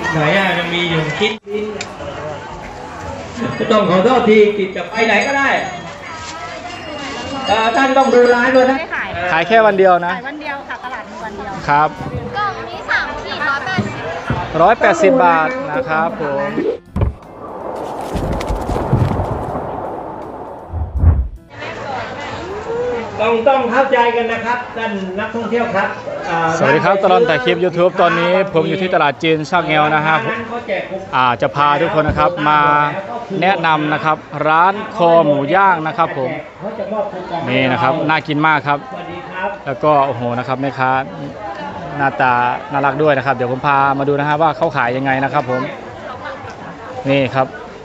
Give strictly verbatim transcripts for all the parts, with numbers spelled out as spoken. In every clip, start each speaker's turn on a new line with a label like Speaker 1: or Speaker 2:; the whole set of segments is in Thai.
Speaker 1: ไหนอ่ะยังมีอยู่คิดต้องขอโทษทีกิจจะไปไหนก็ได้ท่านต้องดูร้านด้วยนะ
Speaker 2: ขายแค่วันเดียวนะ
Speaker 3: ขายวันเดียวค่ะตลาดมีวันเดียว
Speaker 2: ครับ
Speaker 3: กล่องนี้สามขีดร้อยแปดสิบ
Speaker 2: ร้อยแปดสิบบาทนะครับผม
Speaker 1: ต้องต้องเข้าใจกันนะครับท่านนักท่องเที่ยวครับ
Speaker 2: สวัสดีครับตลอดถ่ายคลิป ยูทูบ ตอนนี้ผมอยู่ที่ตลาดจีนชากแงวนะฮะอ่าจะพาทุกคนนะครับมาแนะนำนะครับร้านคอหมูย่างนะครับผมนี่นะครับน่ากินมากครับแล้วก็โอ้โหนะครับแม่ค้าหน้าตาน่ารักด้วยนะครับเดี๋ยวผมพามาดูนะฮะว่าเขาขายยังไงนะครับผมนี่ครับ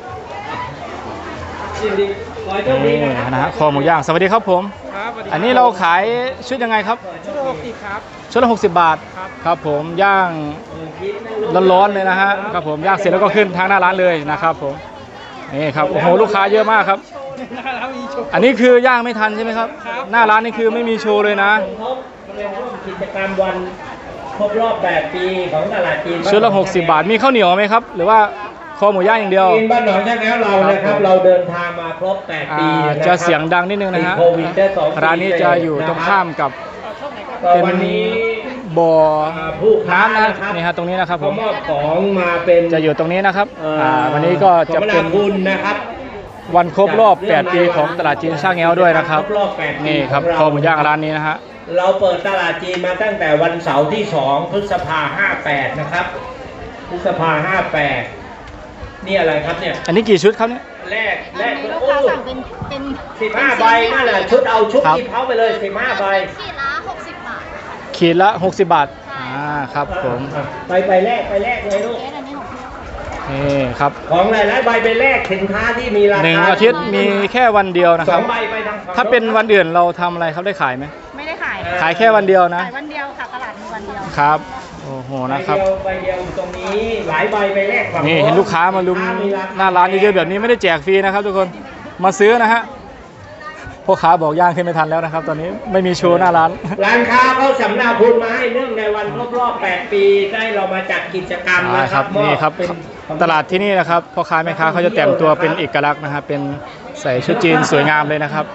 Speaker 2: นี่นะฮะคอหมูย่างสวัสดีครับผมอันนี้เราขายชุดยังไงครับชุดละหกสิบครับชุดละหกสิบบาทครับผมย่างร้อนๆเลยนะฮะครับผมย่างเสร็จแล้วก็ขึ้นทางหน้าร้านเลยนะครับผมนี่ครับโอ้โหลูกค้าเยอะมากครับอันนี้คือย่างไม่ทันใช่ไหมครับหน้าร้านนี่คือไม่มีโชว์เลยนะ
Speaker 1: กิจกรรมวันครบรอบแปดปีของตลาดจีน
Speaker 2: ชุดละหกสิบบาทมีข้าวเหนียวไหมครับหรือว่าคอหมูย่างอย่างเดียว
Speaker 1: บ้านหนองชากแงวเรานะครับเราเดินทางมาครบแปดปี
Speaker 2: จะเสียงดังนิดนึงนะฮะร้านนี้จะอยู่ตรงข้ามกับเป็นบ่อน้ำนะนี่ฮะตรงนี้นะครับผม
Speaker 1: มอบของมาเป็น
Speaker 2: จะอยู่ตรงนี้นะครับวันนี้ก็จะเป็น
Speaker 1: นะครับ
Speaker 2: วันครบรอบแปดปีของตลาดจีนชากแงวด้วยนะครับนี่ครับคอหมูย่างร้านนี้นะฮะ
Speaker 1: เราเปิดตลาดจีนมาตั้งแต่วันเสาร์ที่สองพฤษภาห้าแปดนะครับพฤษภาห้าแปดนี่อะไรครับเนี่ย
Speaker 2: อันนี้กี่ชุดครับเนี่ย
Speaker 1: แรกแรก
Speaker 3: ลูกค้าสั่งเป็นเป็น
Speaker 1: สิบห้าใบนั่นแหละชุดเอาชุดที่เขาไปเลยสิบห้าใบ
Speaker 3: ขีดละหกสิบบาท
Speaker 2: ขีดละหกสิบบาทอ่าครับผม
Speaker 1: ไปไปแรกไปแรกเลยลูก
Speaker 2: นี่ครับ
Speaker 1: ของหลายๆใบไปแรกสินค้าที่มีราคา
Speaker 2: หนึ่งอาทิตย์มีแค่วันเดียวนะครับ
Speaker 1: สองใบไปทาง
Speaker 2: ถ้าเป็นวันอื่นเราทำอะไรครับได้ขายไหม
Speaker 3: ไม่ได้ขาย
Speaker 2: ขายแค่วันเดียวนะ
Speaker 3: ขายวันเดียวค่ะตลาดมีวันเดียว
Speaker 2: ครับโอ้โหนะครับ
Speaker 1: ใบเดียวตรงนี้หลายใบไปแรก
Speaker 2: นี่เห็นลูกค้ามาลุมหน้าร้านเยอะๆแบบนี้ไม่ได้แจกฟรีนะครับทุกคนมาซื้อนะฮะพ่อค้าบอกย่างขึ้นไม่ทันแล้วนะครับตอนนี้ไม่มีโชว์หน้าร้าน
Speaker 1: ร้านค้าเขาสำนักพุนมาให้เนื่องในวันครบรอบแปดปีได้เรามาจัดกิจกรรมนะครับ
Speaker 2: นี่ครับตลาดที่นี่นะครับพ่อค้าแม่ค้าเขาจะแต่งตัวเป็นเอกลักษณ์นะครับเป็นใส่ชุดจีนสวยงามเลยนะครับ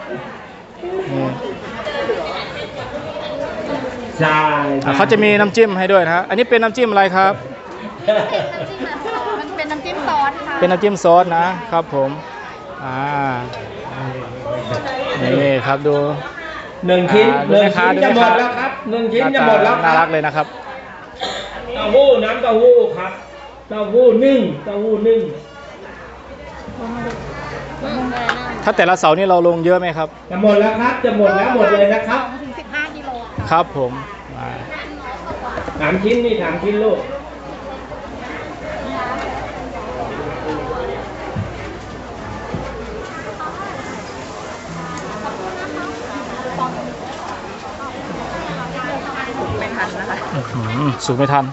Speaker 1: ใช่
Speaker 2: เขาจะมีน้ำจิ้มให้ด้วยนะฮะอันนี้เป็นน้ำจิ้มอะไรครับ
Speaker 3: มันเป็นน้ำจิ้มซอสค่ะ
Speaker 2: เป็นน้ำจิ้มซอสนะครับผมอ่านี่ครับดู
Speaker 1: หนึ่งชิ้นหนึ่งชิ้นจะหมดแล้วครับหนึ่งชิ้นจะหมดแล้ว
Speaker 2: น่ารักเลยนะครับ
Speaker 1: เต้าหู้น้ำเต้าหู้ครับเต้าหู้นึ่งเต้าหู้นึ่ง
Speaker 2: ถ้าแต่ละเสาร์นี่เราลงเยอะไหมครับ
Speaker 1: จะหมดแล้วครับจะหมดแล้วหมดเลยนะครับ
Speaker 3: ถึงสิบห้ากิโล
Speaker 2: ครับผม
Speaker 1: สามชิ้นนี่สามชิ้นลูก
Speaker 3: ไม่ทันนะคะ
Speaker 2: สูงไม่ทัน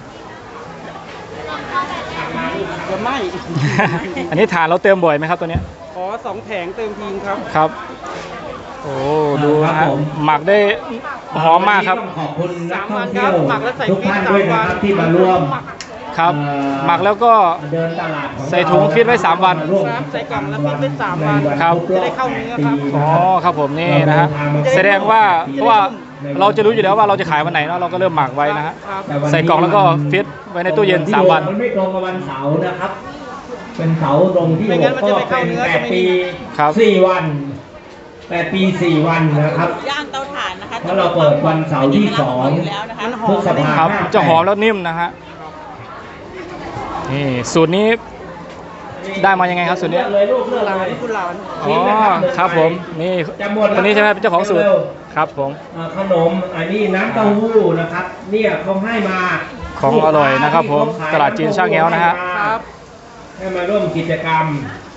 Speaker 4: จะไหม
Speaker 2: อันนี้ฐานเราเติมบ่อยไหมครับตัวนี้
Speaker 4: ขอสองแผงเติมทิ้งครับ
Speaker 2: ครับโอ้ดูนะฮะหมักได้หอมมากครับ
Speaker 1: ขอบคุณนักท่องเที่ยวทุกท่านด้วยนะครับที่มาร่วม
Speaker 2: ครับหมักแล้วก็ใส่ถุงฟิตไว้สามวัน
Speaker 4: ใส่กล่องแล้วฟิตไว้สามวัน
Speaker 2: ครับ
Speaker 4: จะได้เข้าเนื้อครับ
Speaker 2: อ๋อครับผมนี่นะฮะแสดงว่าเพราะว่าเราจะรู้อยู่แล้วว่าเราจะขายวันไหนเนาะเราก็เริ่มหมักไว้นะฮะใส่กล่องแล้วก็ฟิตไว้ในตู้เย็นสามวัน
Speaker 1: มันไม่ตรงกับวันเสาร์นะครับเป็นเสาร์ตรงที่หกก็เป็นแปดปีสี่วันแปดปีสี่วันนะครับ
Speaker 4: ย่างเตาถ่านนะคะ
Speaker 1: เพราะเราเปิดวันเสาร์ที่สองพฤษภาคม
Speaker 2: จะหอมแล้วนิ่มนะฮะนี่สูตรนี้ได้มายังไงครับสูตรนี้
Speaker 1: เลยลูกเลือกอะไร
Speaker 4: คุณหลาน
Speaker 2: อ๋อครับผมนี่คนนี้ใช่ไหมเป็นเจ้าของสูตรครับผม
Speaker 1: ขนมอันนี้น้ำเต้าหู้นะครับเนี่ยเขาให้มา
Speaker 2: ของอร่อยนะครับผมตลาดจีนชากแงวนะฮะ
Speaker 1: ให้มาร่วมกิจกรรม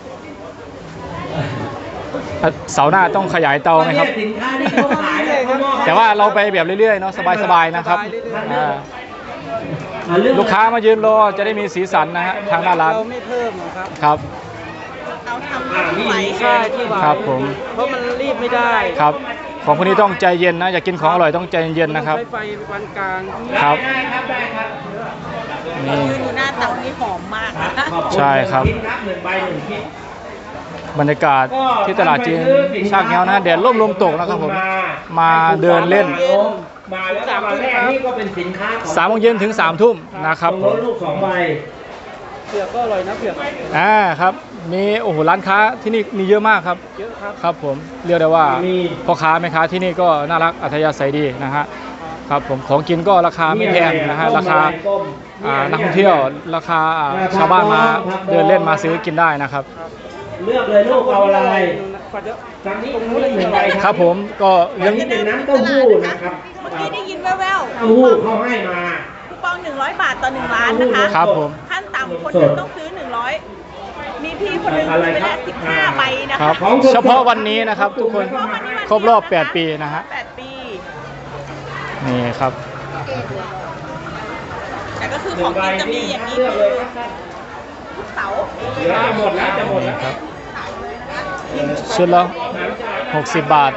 Speaker 2: เสาร์หน้าต้องขยายเตาไหมครับแต่ว่าเราไปแบบเรื่อยๆเนาะสบายๆนะครับลูกค้ามายืนรอจะได้มีสีสันนะฮะทางหน้าร้าน
Speaker 4: เราไม่เพิ่มครับ
Speaker 2: ครับ
Speaker 4: เราทำไหวใช่ที่ไหว
Speaker 2: ครับผม
Speaker 4: เพราะมันรีบไม่ได้
Speaker 2: ครับของพวกนี้ต้องใจเย็นนะอยากกินของอร่อยต้องใจเย็นๆนะครับ
Speaker 4: ใช้ไฟปานกลาง
Speaker 2: ครับ
Speaker 1: ได้ครับได้ครับ
Speaker 2: นี่
Speaker 3: ดูหน้าเต่าที่หอมมาก
Speaker 1: ครับ
Speaker 3: นะ
Speaker 1: ขอบคุณ
Speaker 2: ใช่ครับ
Speaker 1: หนึ่งชิ้นครับหนึ่งใบหนึ่งชิ้น
Speaker 2: บรรยากาศที่ตลาดจีนชากแง้วนะแดดร่มลมตกนะครับผมมาเดินเล่น
Speaker 1: มาแล้วก็มาแรกนี่ก็เป็นสินค้าของ
Speaker 2: สามโมงเย็นถึงสามทุ่มนะครับ
Speaker 1: ตรง
Speaker 2: ผ
Speaker 1: ร
Speaker 2: ม
Speaker 1: ถลูกสองใบ
Speaker 4: เผือกก็อร่อยนะเผือก
Speaker 2: อ่าครับมีโอ้โหร้านค้าที่นี่มีเยอะมากครับ
Speaker 4: เยอะครับ
Speaker 2: ครับผมเรียกได้ว่าพ่อค้าแม่ค้าที่นี่ก็น่ารักอัธยาศัยดีนะฮะครับผมของกินก็ราคาไม่แพงนะฮะราคาอ่านักท่องเที่ยวราคาอ่าชาวบ้านมาเดินเล่นมาซื้อกินได้นะครับ
Speaker 1: เลือกเลยลูกเอาอะไร
Speaker 4: กว่าจะ
Speaker 1: ทางนี้ตรงนู้นหนึ่งใบ
Speaker 2: ครับผมก็
Speaker 1: ยั
Speaker 2: ยัง ง
Speaker 1: นี้เป็นน้ำเต้าหู้นะครับ
Speaker 3: เมื่อกี้ได้ยินแว่ว
Speaker 1: เต้าหู้เขาให้มา
Speaker 3: ๆคูปองหนึ่งร้อยบาทต่อหนึ่งล้านนะคะ
Speaker 2: ครับผม
Speaker 3: ขั้นต่ำคนหนึงต้องซื้อหนึ่งร้อยมีพี่คนหนึงซื้อไปแล้วสิบห้าใบนะ
Speaker 2: ครั
Speaker 3: คะ
Speaker 2: บเฉพาะวันนี้นะครับทุกคนครบรอบแปดปีนะฮะ
Speaker 3: แปดปี
Speaker 2: นี่ครับ
Speaker 3: แต่ก็คือ
Speaker 1: หนึ่
Speaker 3: ของ
Speaker 1: งใบ
Speaker 3: กินจะมี
Speaker 1: นี่
Speaker 3: อย่างนี้
Speaker 1: เลือก
Speaker 3: คื
Speaker 1: เล
Speaker 3: อย
Speaker 1: ครับ
Speaker 3: ทุกเสาร์
Speaker 1: เหลือจะหมดแล้วจะหมดแล้ว
Speaker 2: ครับชุดละหกสิบบาท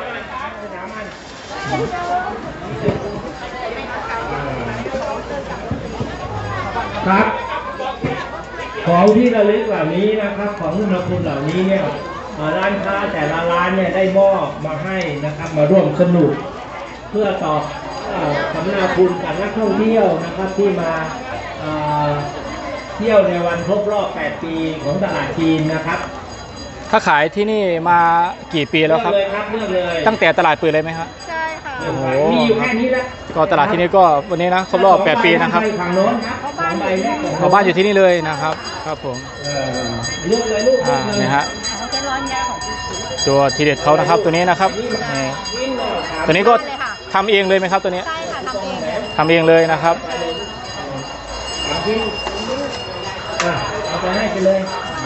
Speaker 1: ครับของที่ระลึกเหล่านี้นะครับ ของอุณหภูมิเหล่านี้เนี่ยเอ่อร้านค้าแต่ละร้านเนี่ยได้มอบมาให้นะครับ มาร่วมสนุก เพื่อตอบเอ่อสำนาคุณกับนักท่องเที่ยวนะครับที่มาเอ่อเที่ยวในวันครบรอบ แปด ปีของตลาดจีนนะครับ
Speaker 2: ถ้าขายที่นี่มากี่ปีแล้วครับ
Speaker 1: เลือกเลยครับเลือกเลย
Speaker 2: ตั้งแต่ตลาดเปิดเลยไหมครับ
Speaker 3: ใช่ค่ะ
Speaker 1: โอ้โหมีอยู่แค่นี้แหละ
Speaker 2: ก็ตลาดที่นี่ก็วันนี้นะครบรอบแปดปีนะครับ
Speaker 1: ฝั่งโน้นครับสองใบแรก
Speaker 2: ขอบ้านอยู่ที่นี่เลยนะครับครับผม
Speaker 1: เออเลือกเลยลูกเลื
Speaker 2: อ่า
Speaker 1: อกเลย
Speaker 2: นี่ฮะ
Speaker 3: ของเจร้อนยาของพี่สี
Speaker 2: ตัวทีเด็ดเขานะครับตัวนี้นะครับนี่ตัวนี้ก็ทำเองเลยไหมครับตัวนี้
Speaker 3: ใช่ค่ะทำเองเลย
Speaker 2: ทำเองเลยนะครับ
Speaker 1: เอาที่อ่ะเอาไปให้ไปเลย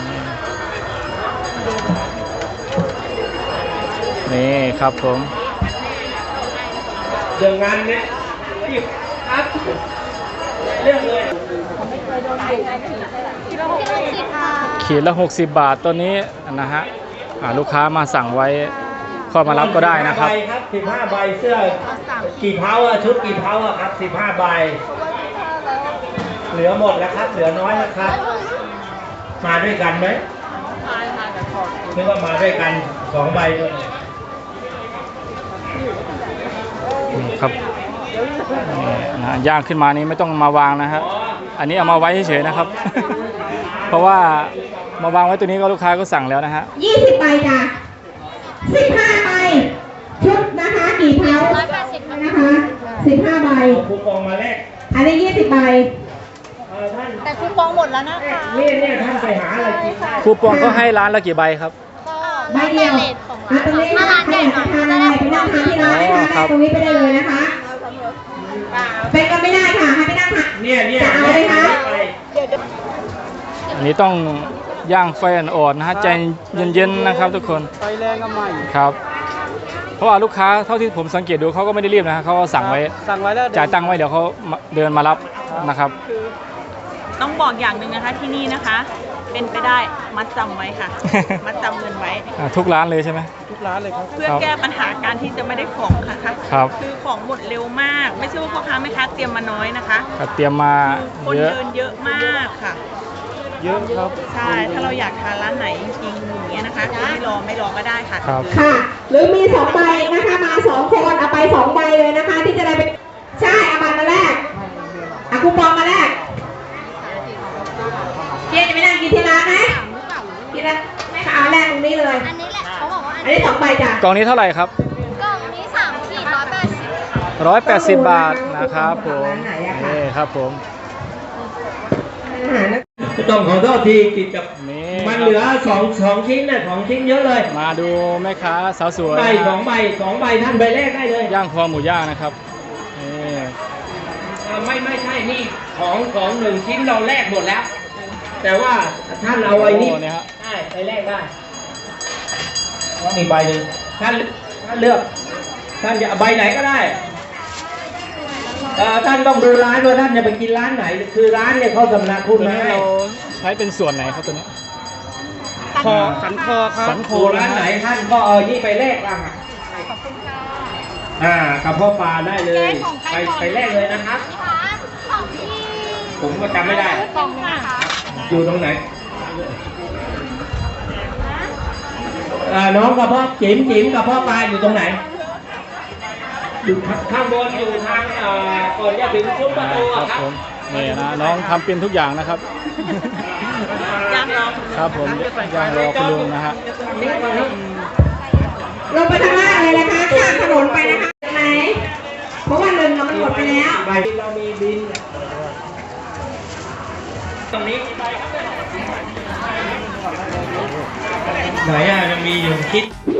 Speaker 2: นี่ครับผม
Speaker 1: เดินงานเนี่ยหยิบครับเลือกเลย
Speaker 3: กิโลหกสิบค่ะ
Speaker 2: ขีดละหกสิบบาทตัวนี้นะฮะอ่าลูกค้ามาสั่งไว้เข้ามารับก็ได้นะครับ
Speaker 1: ใบครับสิบห้าใบเสื้อกี่เท้าอะชุดกี่เท้าอะครับสิบห้าใบ เหลือหมดแล้วครับ เหลือน้อยแล้วครับ มาด้วยกันไหมนึกว่ามาด้วยกันสองใบด้วย
Speaker 2: นี่ครับนี่นะย่างขึ้นมานี้ไม่ต้องมาวางนะฮะอันนี้เอามาไว้เฉยๆนะครับ เพราะว่ามาวางไว้ตัวนี้ก็ลูกค้าก็สั่งแล้วนะฮะ
Speaker 5: ยี่สิบใบจ้ะสิบห้าใบชุดนะคะกี่เท้านะคะสิบห้าใบ
Speaker 1: เอาคูปองมาแลก
Speaker 5: อันนี้ยี่สิบใบ
Speaker 1: เอ่อท่าน
Speaker 3: แต่คูปองหมดแล้วนะคะ
Speaker 1: เนี่ยเนี่ยท่านไปหาอะไรกินได้
Speaker 2: คูปองก็ให้ร้านละกี่ใบครับ
Speaker 5: ใบเดียวอ่ะตรงนี้นะคะใครอยากจะทานอะไรไปนั่งทานที่ร้านนะคะ
Speaker 2: ครับ
Speaker 5: ตรงนี้ไปได้เลยนะคะเป็นก็ไม่ได้ค่ะให้ไปนั่งทาน
Speaker 1: เนี่ยเนี่ย
Speaker 5: จะเอาไหมคะ
Speaker 1: ไป
Speaker 2: อันนี้ต้องย่างไฟอ่อนๆนะฮะใจเย็นๆนะครับทุกคน
Speaker 4: ไฟแรงก็ใหม่
Speaker 2: ครับ เพราะว่าลูกค้าเท่าที่ผมสังเกตดูเขาก็ไม่ได้รีบนะฮะเขาก็สั่งไว้
Speaker 4: สั่งไว้แล้ว
Speaker 2: จ่ายตังค์ไว้เดี๋ยวเขามาเดินมารับนะครับ
Speaker 3: ต้องบอกอย่างหนึ่งนะคะที่นี่นะคะ เป็นไปได้มัดจำไว้ค่ะ มัดจำเงินไว้
Speaker 2: อ่าทุกร้านเลยใช่ไหม
Speaker 4: ทุกร้านเลยครับ
Speaker 3: เพื่อแก้ปัญหาการที่จะไม่ได้ของค่ะ
Speaker 2: ครับ
Speaker 3: คือของหมดเร็วมาก ไม่ใช่ว่าพ่อค้าแม่ค้าเตรียมมาน้อยนะคะ
Speaker 2: ก็เตรียมมา
Speaker 3: คน
Speaker 2: เยอะ
Speaker 3: เดินเยอะมากค่ะ
Speaker 4: เยอะครับ
Speaker 3: ใช่ ถ้าเราอยากทานร้านไหนจริงๆอย่างเงี้ยนะคะไม่รอไม่รอก็ได้ค่ะ
Speaker 2: ครับ
Speaker 5: ค่ะ หรือมีสองใบนะคะมาสองคนเอาไปสองใบเลยนะคะ ที่จะได้เป็นใช่เอาบัตรมาแลกเอาคูปองมาแลกเพี่จะไปนั่งกินที่ร้านไหมกินแล้วไม่ค่ะเอาแลกตรงนี้เลย
Speaker 6: อันนี้แหละเขาบอกว่าอัน
Speaker 5: อันนี้สองใบจ้ะ
Speaker 2: กล่องนี้เท่าไหร่ครับ
Speaker 6: กล่องนี้สามขีดร้อยแปดสิบ
Speaker 2: ร้อยแปดสิบบาทนะครับผมนี่ครับผม
Speaker 5: อาหารนะ
Speaker 1: ต้องขอโทษทีกิจกับ
Speaker 2: นี่
Speaker 1: มันเหลือสองสองชิ้นน่ะสองชิ้นเยอะเลย
Speaker 2: มาดูแม่ค้าสาวสวย
Speaker 1: ใบสองใบสองใบท่านใบแรกได้เลย
Speaker 2: ย่างคอหมูย่างนะครับนี่
Speaker 1: เอ่อไม่ไม่ใช่นี่ของของหนึ่งชิ้นเราแลกหมดแล้ว แต่ว่าท่านเอาไว้นี่
Speaker 2: โอ้เนี่ยฮะ
Speaker 1: ได้ไปแลกได้มีใบหนึ่งท่านท่านเลือกท่านจะเอาใบไหนก็ได้เอ่อท่านต้องดูร้านว่าท่านจะไปกินร้านไหน คือร้านเนี่ยเขาสำนักคุณ
Speaker 2: ตัว
Speaker 1: มา
Speaker 2: นี้
Speaker 1: ให้
Speaker 2: เราใช้เป็นส่วนไหนครับตัวนี้
Speaker 4: คอสันคอครับ
Speaker 2: สันค
Speaker 1: ดูร้านไหนท่านก็เอานี่ไปแลกบ้างอ่ะ
Speaker 3: ขอบคุณค่ะ
Speaker 1: อ่ากระเพาะปลาได้เลย ไปไปแรกเลยนะครับ
Speaker 6: ของที่
Speaker 1: ผมก็จำไม่ได้
Speaker 6: กล่องนะคะ
Speaker 1: อยู่ตรงไหนอ่าน้องกระเพาะจิ๋มจิ๋มกระเพาะปลาอยู่ตรงไหน อยู่ข้างบนอยู่ทางเอ่อก่อนจะถึงซุ้มประตู
Speaker 2: ค
Speaker 1: อะ
Speaker 2: รับ
Speaker 1: ครับ
Speaker 2: ผมนี่นะน้องทำเป็นทุกอย่างนะครับ
Speaker 3: ย่างรอ
Speaker 2: ครับผมย่างรอคุณลุงนะฮะ
Speaker 5: ลงไปข้างล่างเลยนะคะข้ามถนนไปนะคะใช่ไหมเพราะว่าเงินเรามันหมดไปแล้ว
Speaker 1: ใบเรามีบิน ตรงนี้ไหนอ่ะยังมีอยู่คิด